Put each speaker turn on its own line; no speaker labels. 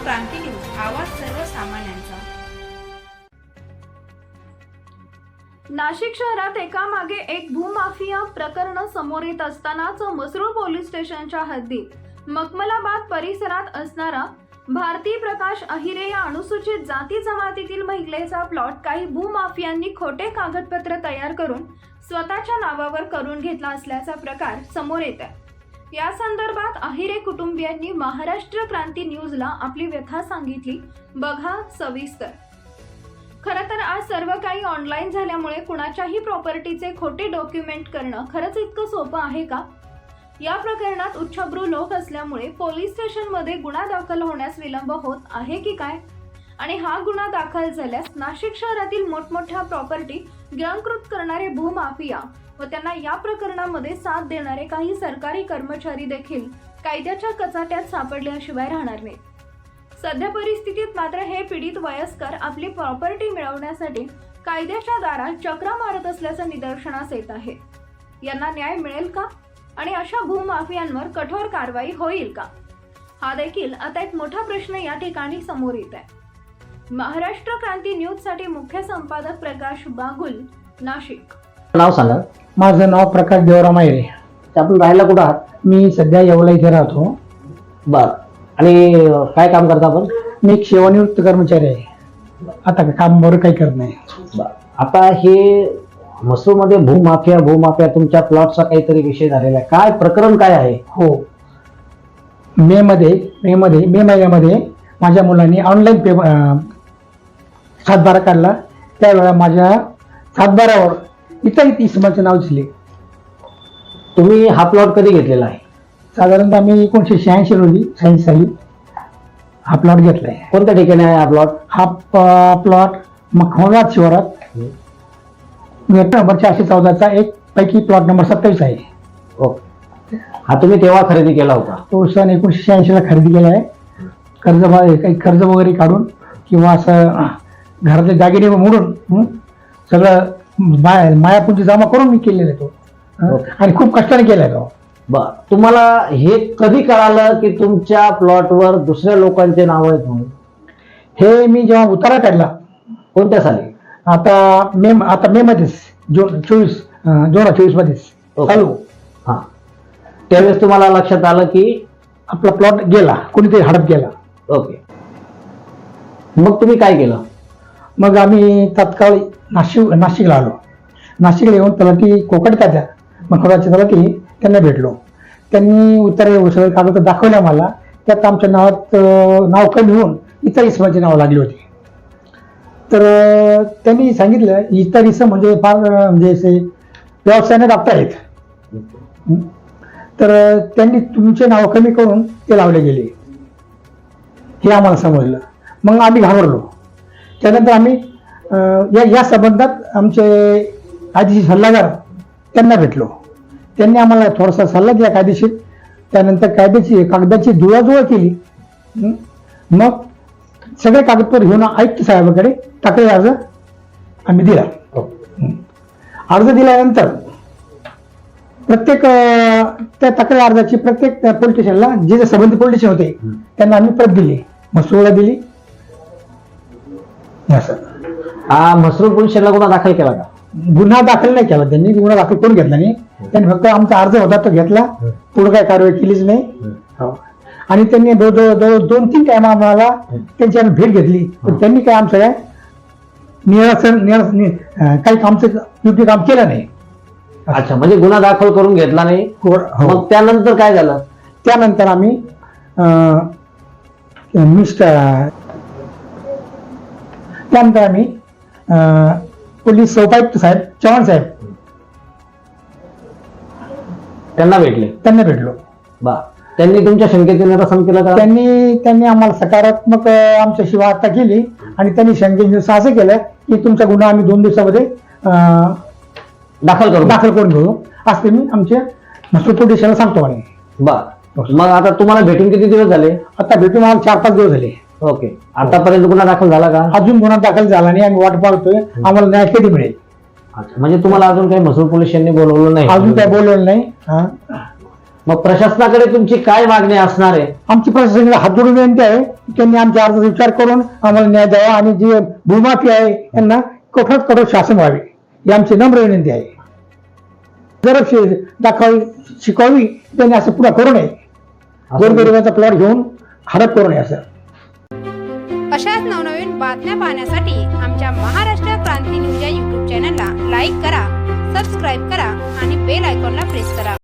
क्रांती news, आवाज सर्वसामान्यांचा।
नाशिक शहरात एकामागे एक भूमाफिया प्रकरण समोर येत असतानाच मसरूळ पोलीस स्टेशनच्या हद्दीत मखमलाबाद परिसरात असणारा भारती प्रकाश अहिरे या अनुसूचित जाती जमातीतील महिलेचा प्लॉट काही भूमाफियांनी खोटे कागदपत्र तयार करून स्वतःच्या नावावर करून घेतला असल्याचा प्रकार समोर येत आहे। या संदर्भात अहिरे कुटुंबियांनी महाराष्ट्र क्रांती न्यूजला आपली व्यथा सांगितली। बघा सविस्तर। खरं तर आज सर्व काही ऑनलाईन झाल्यामुळे कुणाच्याही प्रॉपर्टीचे खोटे डॉक्युमेंट करणं खरंच इतकं सोपं आहे का? या प्रकरणात उच्चभ्रू लोक असल्यामुळे पोलीस स्टेशनमध्ये गुन्हा दाखल होण्यास विलंब होत आहे की काय? आणि हा गुन्हा दाखल झाल्यास नाशिक शहरातील मोठमोठ्या प्रॉपर्टी गिळंकृत करणारे भूमाफिया व त्यांना या प्रकरणामध्ये साथ देणारे काही सरकारी कर्मचारी देखील कायद्याच्या कचाट्यात सापडल्याशिवाय राहणार नाहीत। सध्या परिस्थितीत मात्र हे पीडित वयस्कर आपली प्रॉपर्टी मिळवण्यासाठी कायद्याच्या दारात चक्रा मारत असल्याचं निदर्शनास येत आहे। यांना न्याय मिळेल का? आणि अशा भूमाफियांवर कठोर कारवाई होईल का? हा देखील आता एक मोठा प्रश्न या ठिकाणी समोर येत आहे। महाराष्ट्र क्रांती न्यूज साठी मुख्य संपादक प्रकाश बागुल, नाशिक।
नाव सांगा।
माझं नाव प्रकाश देवराम अहिरे।
आपण राहायला कुठं आहात?
मी सध्या येवला इथे राहतो।
बर, आणि काय काम करता आपण?
मी एक सेवानिवृत्त कर्मचारी आहे। आता काम बरं काही करत नाही।
बर, आता हे मसूरमध्ये भूमाफिया तुमच्या प्लॉटचा काहीतरी विषय झालेला आहे, काय प्रकरण काय आहे?
हो, मे महिन्यामध्ये माझ्या मुलांनी ऑनलाईन सातबारा काढला। त्यावेळेला माझ्या सातबारावर इतर इसमाचं नाव दिसले।
तुम्ही हा प्लॉट कधी घेतलेला आहे?
साधारणतः मी 1986 रोजी 86 साली हा प्लॉट घेतलाय।
कोणत्या ठिकाणी आहे हा प्लॉट?
हा प्लॉट मखमलाबाद शिवारात गट नंबर 414चा एक पैकी प्लॉट नंबर 27 आहे।
ओके, हा तुम्ही तेव्हा खरेदी केला होता?
तो सन 1986 ला खरेदी केला आहे। काही कर्ज वगैरे काढून किंवा असं घरातले दागिने मोडून सगळं मायापुंजी जमा करून मी केलेला आहे तो, आणि खूप कष्टाने केलाय तो।
बर, तुम्हाला हे कधी कळालं की तुमच्या प्लॉटवर दुसऱ्या लोकांचे नाव आहेत म्हणून?
हे मी जेव्हा उतारा काढला,
कोणत्या साली?
आता मे मध्येच, जून 2024 मध्येच चालू।
हा, त्यावेळेस तुम्हाला लक्षात आलं की
आपला प्लॉट गेला, कोणीतरी हडप गेला।
ओके, मग तुम्ही काय केलं?
मग आम्ही तात्काळ नाशिकला आलो। नाशिकला येऊन तलाठी कोकट तात्या मखमलाबादचे तलाठी त्यांना भेटलो। त्यांनी उत्तरे सगळे कागद दाखवल्या मला। त्यात आमच्या नावात नाव कमी होऊन इतर इसमाचे नाव लागली होती। तर त्यांनी सांगितलं इतर इसम म्हणजे फार म्हणजे असे व्यवसायाने डॉक्टर आहेत, तर त्यांनी तुमचे नाव कमी करून ते लावले गेले, हे आम्हाला समजलं। मग आम्ही घाबरलो। त्यानंतर आम्ही या संबंधात आमचे कायदेशीर सल्लागार त्यांना भेटलो। त्यांनी आम्हाला थोडासा सल्ला दिला कायदेशीर। त्यानंतर कागदाची जुळवाजुळव केली। मग सगळे कागदपत्र घेऊन आयुक्त साहेबांकडे तक्रार अर्ज आम्ही दिला। अर्ज दिल्यानंतर प्रत्येक त्या तक्रार अर्जाची प्रत्येक पोलीस स्टेशनला जे संबंधित पोलीस स्टेशन होते त्यांना आम्ही प्रत दिली, मसरूळला दिली।
हा, मसरूळ पोलीस स्टेशनला गुन्हा दाखल केला का?
गुन्हा दाखल नाही केला त्यांनी, गुन्हा दाखल करून घेतला नाही त्यांनी। फक्त आमचा अर्ज होता तो घेतला, पुढे काय कारवाई केलीच नाही। आणि त्यांनी 2-3 टाइम आम्हाला त्यांची आम्ही भेट घेतली, पण त्यांनी काय आमचं काय काही आमचं योग्य काम केलं नाही।
अच्छा, म्हणजे गुन्हा दाखल करून घेतला नाही। मग त्यानंतर काय झालं?
त्यानंतर आम्ही पोलीस उपायुक्त साहेब चव्हाण साहेब
त्यांना
भेटलो।
बा, त्यांनी तुमच्या शंकेचे निरसन केलं का?
त्यांनी आम्हाला सकारात्मक आमच्याशी वार्ता केली आणि त्यांनी शंकेचे असं केलं की तुमचा गुन्हा आम्ही 2 दिवसामध्ये दाखल करून घेऊ, असं मी आमच्या मसरूळ पोलीस स्टेशनला सांगतो। आणि
मग आता तुम्हाला भेटून किती दिवस झाले?
आता भेटून आम्हाला 4-5 दिवस झाले।
ओके, आतापर्यंत गुन्हा दाखल झाला का?
अजून गुन्हा दाखल झाला नाही, आम्ही वाट पाहतोय आम्हाला न्याय कधी मिळेल।
म्हणजे तुम्हाला अजून काही मसरूळ पोलीस स्टेशनने बोलवलं नाही?
अजून काही बोलवलं नाही।
मग प्रशासनाकडे तुमची काय मागणी असणार आहे?
आमची प्रशासनाला हात जोडून विनंती आहे की त्यांनी आमच्या अर्जाचा विचार करून आम्हाला न्याय द्यावा आणि जे भूमाफी आहे यांना कठोरात कठोर शासन व्हावे ही आमची नम्र विनंती आहे. जर दाखवावी शिकवावी त्यांनी असं पुढे करू नये. गोरगरिबाचा प्लॉट घेऊन हडप करू नये असं.
अशाच नवनवीन बातम्या पाहण्यासाठी आमच्या महाराष्ट्र क्रांती न्यूज या YouTube चॅनलला लाईक करा, सबस्क्राईब करा आणि बेल आयकॉनला प्रेस करा.